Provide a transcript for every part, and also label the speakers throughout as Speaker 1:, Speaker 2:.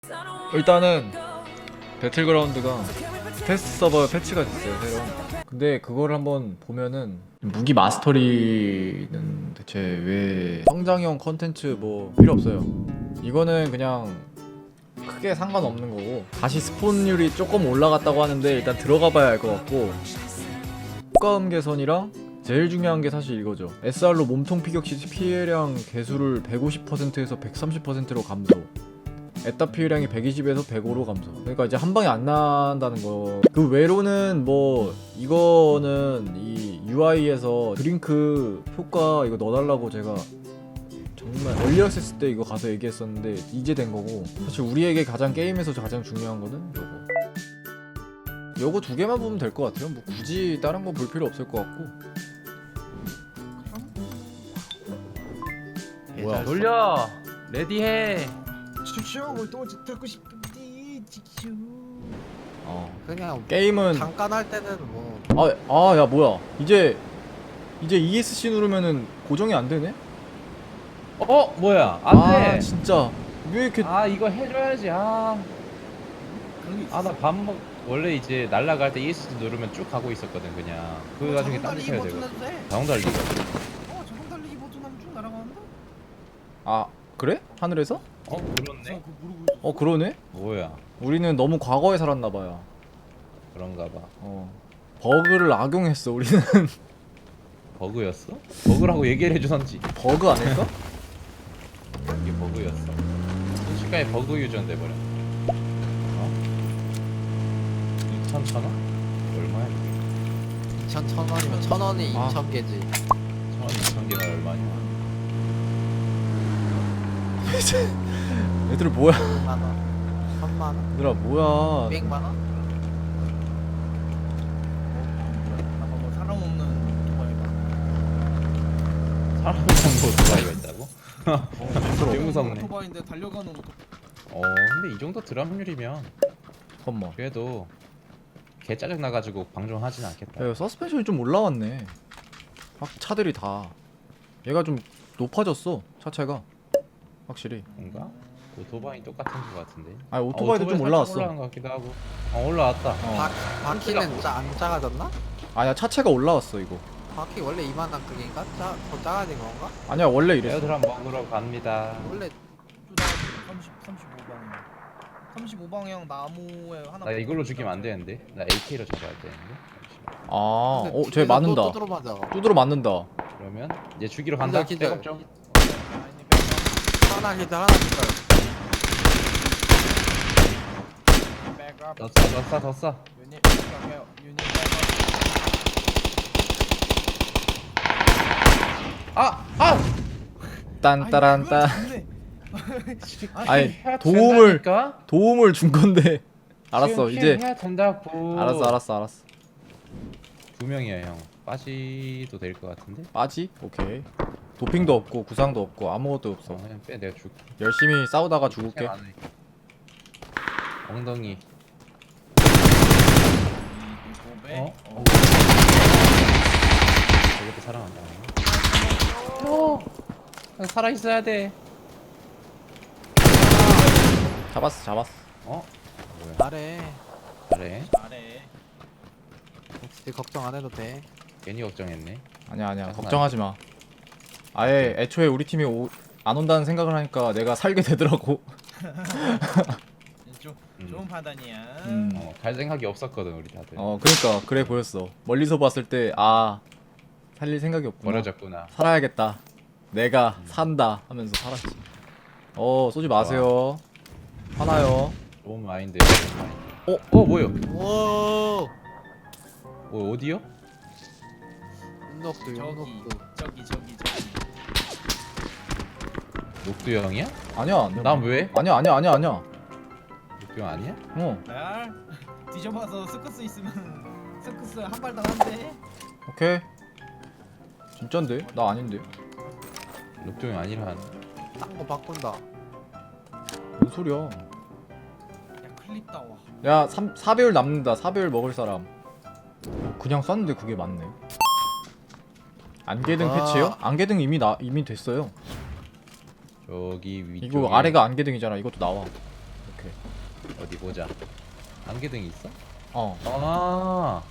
Speaker 1: 일단은 배틀그라운드가 테스트 서버 패치가 됐어요, 새로. 근데 그걸 한번 보면은 무기 마스터리는 대체 왜 성장형 컨텐츠 뭐 필요 없어요. 이거는 그냥 크게 상관없는 거고, 다시 스폰율이 조금 올라갔다고 하는데 일단 들어가 봐야 알 것 같고, 효과음 개선이랑 제일 중요한 게 사실 이거죠. SR로 몸통 피격 시 피해량 개수를 150%에서 130%로 감소, 에타 피해량이 120에서 105로 감소. 그러니까 이제 한 방에 안 난다는 거. 그 외로는 뭐 이거는 이 UI에서 드링크 효과 이거 넣어달라고 제가 정말 얼리 액세스 때 이거 가서 얘기했었는데 이제 된 거고, 사실 우리에게 가장 게임에서 가장 중요한 거는 요거 두 개만 보면 될 것 같아요. 뭐 굳이 다른 거 볼 필요 없을 것 같고. 뭐야?
Speaker 2: 돌려 레디해.
Speaker 3: 슈슈 또 듣고 싶은데 슈.
Speaker 4: 그냥
Speaker 1: 게임은
Speaker 4: 잠깐 할 때는 뭐
Speaker 1: 야 뭐야? 이제 ESC 누르면은 고정이 안 되네?
Speaker 2: 뭐야
Speaker 1: 아
Speaker 2: 안돼.
Speaker 1: 진짜 왜 이렇게
Speaker 2: 이거 해줘야지.
Speaker 3: 그런 게 있어.
Speaker 2: 나 밥 먹. 원래 이제 날라갈 때 ESC 누르면 쭉 가고 있었거든 그냥. 그 나중에 딴 데 쳐야 되고. 자동 달리기.
Speaker 3: 자동 달리기 버튼 하면 쭉 날아가는데?
Speaker 1: 아 그래? 하늘에서?
Speaker 2: 그렇네.
Speaker 3: 그거 모르고 있어.
Speaker 1: 그러네?
Speaker 2: 뭐야
Speaker 1: 우리는 너무 과거에 살았나봐요.
Speaker 2: 그런가 봐.
Speaker 1: 버그를 악용했어 우리는.
Speaker 2: 버그였어? 버그라고 얘기를 해주던지.
Speaker 1: 버그 아닐까?
Speaker 2: 이게 버그였어. 순식간에 버그 유전 돼버려. 2,000원? 얼마야 이게?
Speaker 4: 2,100원이면 1,000원이
Speaker 1: 아.
Speaker 4: 2,000개지
Speaker 2: 1,000원 2,000개가 얼마냐?
Speaker 1: 얘들 뭐야?
Speaker 4: 100만원 3만원
Speaker 1: 얘들아 뭐야?
Speaker 4: 200만원?
Speaker 3: 뭐 사람 없는 오토바이가.
Speaker 2: 사람 정도 오토바이가 있다고? 되게 무섭네.
Speaker 3: 오토바이인데 달려가는 오토바이.
Speaker 2: 근데 이 정도 드랍률이면
Speaker 1: 잠깐만.
Speaker 2: 그래도 개 짜증 나가지고 방종하진 않겠다.
Speaker 1: 야, 서스펜션이 좀 올라왔네. 확 차들이 다. 얘가 좀 높아졌어. 차체가. 확실히.
Speaker 2: 뭔가? 오토바이 똑같은 거 같은데.
Speaker 1: 아니 오토바이도 좀
Speaker 2: 살짝
Speaker 1: 올라왔어.
Speaker 2: 올라간 것 같기도 하고. 올라왔다.
Speaker 4: 바퀴는 안 작아졌나?
Speaker 1: 아니야 차체가 올라왔어 이거.
Speaker 4: 바퀴 원래 이만한 크기인가? 더 작아진 건가?
Speaker 1: 아니야 원래 이랬어.
Speaker 2: 에어드랍 먹으러 갑니다.
Speaker 4: 원래
Speaker 3: 35방향 나무에 하나.
Speaker 2: 나 이걸로 죽이면 안 되는데. 나 AK로 잡아야 되는데. 잠시만.
Speaker 4: 근데
Speaker 1: 쟤
Speaker 4: 뒤에서
Speaker 1: 맞는다.
Speaker 4: 또 들어맞아
Speaker 1: 두드러 맞는다.
Speaker 2: 그러면 얘 죽이러 간다.
Speaker 4: 기절,
Speaker 2: 백업 좀.
Speaker 4: 하나 기절 하나 기절
Speaker 2: 더 쏴. 더 쏴.
Speaker 3: 유닛
Speaker 1: 딴따란따. 아니
Speaker 2: 해야
Speaker 1: 도움을
Speaker 2: 된다니까?
Speaker 1: 도움을 준 건데. 알았어
Speaker 2: 지금
Speaker 1: 이제.
Speaker 2: 해야 된다고.
Speaker 1: 알았어.
Speaker 2: 두 명이야 형. 빠지도 될 것 같은데.
Speaker 1: 빠지? 오케이. 도핑도 없고 구상도 없고 아무것도 없어.
Speaker 2: 그냥 빼. 내가 줄게.
Speaker 1: 열심히 싸우다가 죽을게.
Speaker 2: 안 해. 엉덩이. 저것도 사랑한다. 살아 있어야 돼.
Speaker 1: 잡았어.
Speaker 2: 뭐야?
Speaker 4: 잘해
Speaker 2: 잘해.
Speaker 3: 잘해.
Speaker 4: 혹시 걱정 안 해도 돼
Speaker 2: 괜히 걱정했네.
Speaker 1: 아니야
Speaker 2: 짜증나네.
Speaker 1: 걱정하지 마. 아예 애초에 우리 팀이 안 온다는 생각을 하니까 내가 살게 되더라고.
Speaker 3: 좋은 판단이야.
Speaker 2: 갈 생각이 없었거든 우리 다들.
Speaker 1: 그러니까 그래 보였어. 멀리서 봤을 때 살릴 생각이 없구나.
Speaker 2: 버려졌구나.
Speaker 1: 살아야겠다. 내가 산다 하면서 살았지. 쏘지 마세요. 화나요.
Speaker 2: 좋은 마인드. 뭐요?
Speaker 4: 오
Speaker 2: 어디요?
Speaker 4: 윤녹두
Speaker 3: 저기.
Speaker 2: 녹두 형이야?
Speaker 1: 아니야.
Speaker 2: 난 왜?
Speaker 1: 아니야.
Speaker 2: 녹두 형 아니야?
Speaker 3: 야, 뒤져봐서 스커스 있으면 스커스 한 발 당한대.
Speaker 1: 오케이. 진짠데? 나 아닌데.
Speaker 2: 녹두 형 아니라.
Speaker 4: 딴거 바꾼다
Speaker 1: 뭔 소리야?
Speaker 3: 야, 클립 따와.
Speaker 1: 야 4배율 남는다. 4배율 먹을 사람. 그냥 쐈는데 그게 맞네. 안개등 패치요? 안개등 이미 됐어요.
Speaker 2: 저기 위쪽에.
Speaker 1: 이거 아래가 안개등이잖아. 이것도 나와. 이렇게.
Speaker 2: 보자. 안개등이 있어?
Speaker 1: 어
Speaker 2: 아.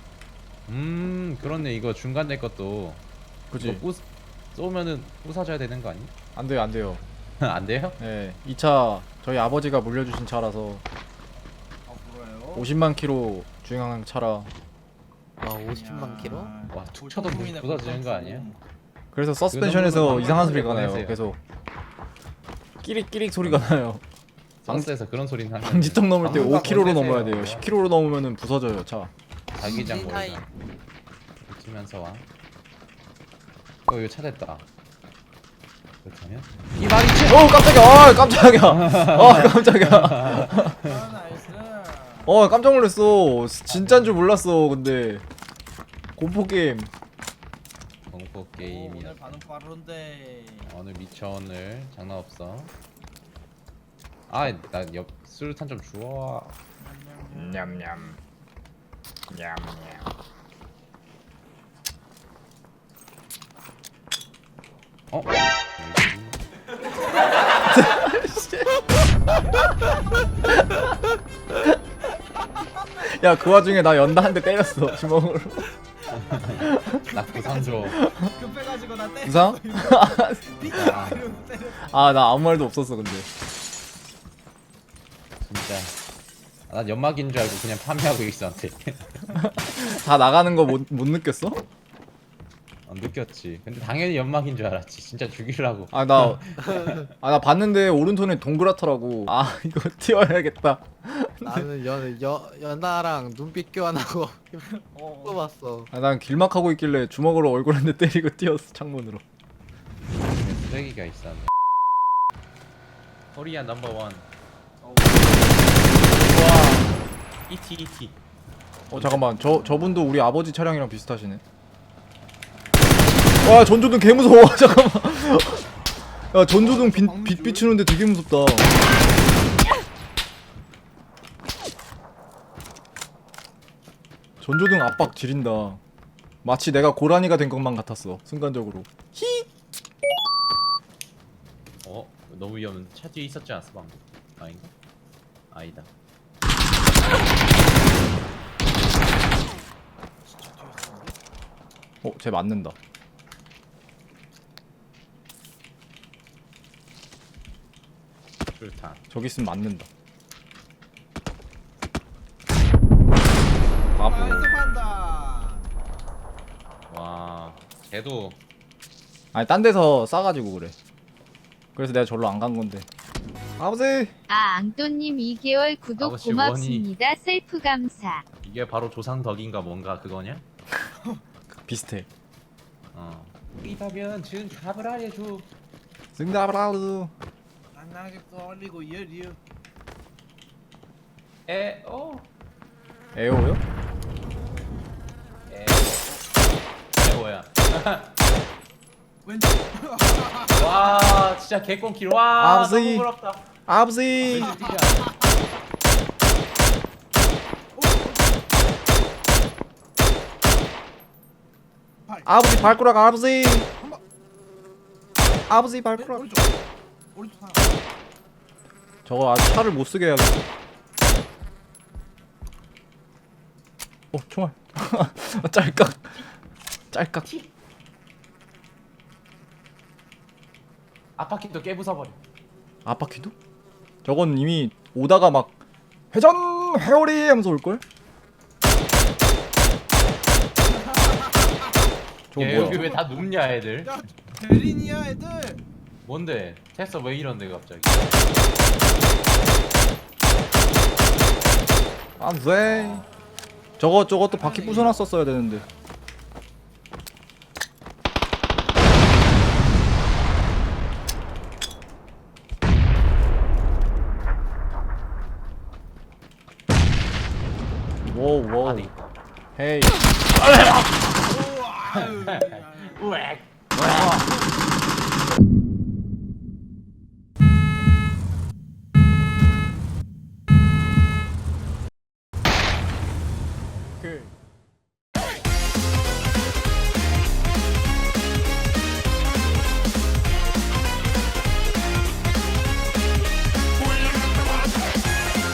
Speaker 2: 그렇네. 이거 중간 내 것도
Speaker 1: 그치.
Speaker 2: 이거 쏘면은 부사져야 되는 거 아니?
Speaker 1: 안 돼요 안 돼요.
Speaker 2: 안 돼요?
Speaker 1: 네, 이 차 저희 아버지가 물려주신 차라서
Speaker 3: 아 그래요?
Speaker 1: 50만 킬로 주행한 차라.
Speaker 4: 와 50만 킬로?
Speaker 2: 와, 툭 쳐도 부서지는 거 아니야?
Speaker 1: 그래서
Speaker 2: 그거
Speaker 1: 서스펜션에서
Speaker 2: 너무
Speaker 1: 이상한
Speaker 2: 방금
Speaker 1: 소리가 나요.
Speaker 2: 보내세요.
Speaker 1: 계속 끼릭끼릭 소리가 나요.
Speaker 2: 버스에서 그런 소리는 하면
Speaker 1: 방지턱 넘을 때
Speaker 2: 방금
Speaker 1: 5km로
Speaker 2: 보내세요.
Speaker 1: 넘어야 돼요. 10km로 넘으면은 부서져요 차.
Speaker 2: 자기장
Speaker 4: 타이.
Speaker 2: 멀다. 붙으면서 와. 이거 차 됐다. 그렇다면 이 말이지.
Speaker 1: 깜짝이야. 깜짝이야.
Speaker 3: 아 나이스.
Speaker 1: 깜짝 놀랐어. 진짜인 줄 몰랐어. 근데 공포 게임.
Speaker 2: 공포 게임이야.
Speaker 3: 오늘 반응 빠른데.
Speaker 2: 오늘 미쳐 오늘 장난 없어. 아, 나 옆 수류탄 좀 주워.
Speaker 1: 냠냠. 냠냠.
Speaker 2: 어?
Speaker 1: 야, 그 와중에 나 연다 한 대 때렸어. 주먹으로.
Speaker 2: 나 부상 줘.
Speaker 3: 급해가지고 나 때렸어.
Speaker 1: 부상?
Speaker 3: 비자 이러면서 때렸어.
Speaker 1: 아, 나 아무 말도 없었어, 근데.
Speaker 2: 진짜. 난 연막인 줄 알고 그냥 판매하고 있었는데.
Speaker 1: 다 나가는 거 못 느꼈어?
Speaker 2: 느꼈지. 근데 당연히 연막인 줄 알았지. 진짜 죽이려고.
Speaker 1: 나 봤는데 오른손에 동그랗더라고. 아, 이거 튀어야겠다.
Speaker 4: 나는 연하랑 눈빛 교환하고 뽑았어.
Speaker 1: 난 길막하고 있길래 주먹으로 얼굴 한 대 때리고 뛰었어, 창문으로.
Speaker 2: 쓰레기가 있었네. 코리아 넘버 원. ET.
Speaker 1: 잠깐만. 저분도 우리 아버지 차량이랑 비슷하시네. 와, 전조등 개 무서워. 잠깐만. 야, 전조등 빛 비추는데 되게 무섭다. 전조등 압박 지린다. 마치 내가 고라니가 된 것만 같았어. 순간적으로.
Speaker 2: 너무 위험한. 차 뒤에 있었지 않았어 방금? 아닌가? 아니다.
Speaker 1: 쟤 맞는다.
Speaker 2: 수류탄.
Speaker 1: 저기 있으면 맞는다.
Speaker 3: 나이스
Speaker 1: 바보.
Speaker 3: 판다.
Speaker 2: 와, 걔도
Speaker 1: 아니, 딴 데서 싸가지고 그래. 그래서 내가 절로 안 간 건데. 아버지.
Speaker 5: 앙또님 2개월 구독
Speaker 2: 아버지
Speaker 5: 고맙습니다. 셀프 감사.
Speaker 2: 이게 바로 조상 덕인가 뭔가 그거냐?
Speaker 1: 비슷해.
Speaker 2: 이다면 지금 답을 알려줘.
Speaker 1: 승다브라우.
Speaker 3: 안나직도 올리고 이어리어.
Speaker 1: 에오요?
Speaker 2: 뭐야?
Speaker 3: 왼쪽.
Speaker 2: 와, 진짜 개꽁킬. 와,
Speaker 1: 아버지.
Speaker 2: 너무 부럽다.
Speaker 1: 아버지.
Speaker 2: 왼쪽이야.
Speaker 1: 아버지 발가락 아버지. 아버지 발가락.
Speaker 3: 오른쪽 하나.
Speaker 1: 저거 아주 차를 못 쓰게 해야겠다. 총알. 짤깍.
Speaker 2: 앞바퀴도 깨부숴버려.
Speaker 1: 앞바퀴도? 저건 이미 오다가 막 회전 회오리 하면서 올걸? 저거
Speaker 2: 야, 여기
Speaker 1: 뭐야?
Speaker 2: 왜 다 눕냐 애들?
Speaker 3: 야 대린이야 애들.
Speaker 2: 뭔데? 테스터 왜 이런데 갑자기?
Speaker 1: 안돼. 저것도 바퀴 부숴놨었어야 되는데. 워우
Speaker 2: 아니.
Speaker 1: 헤이.
Speaker 3: 우와.
Speaker 2: 우엑.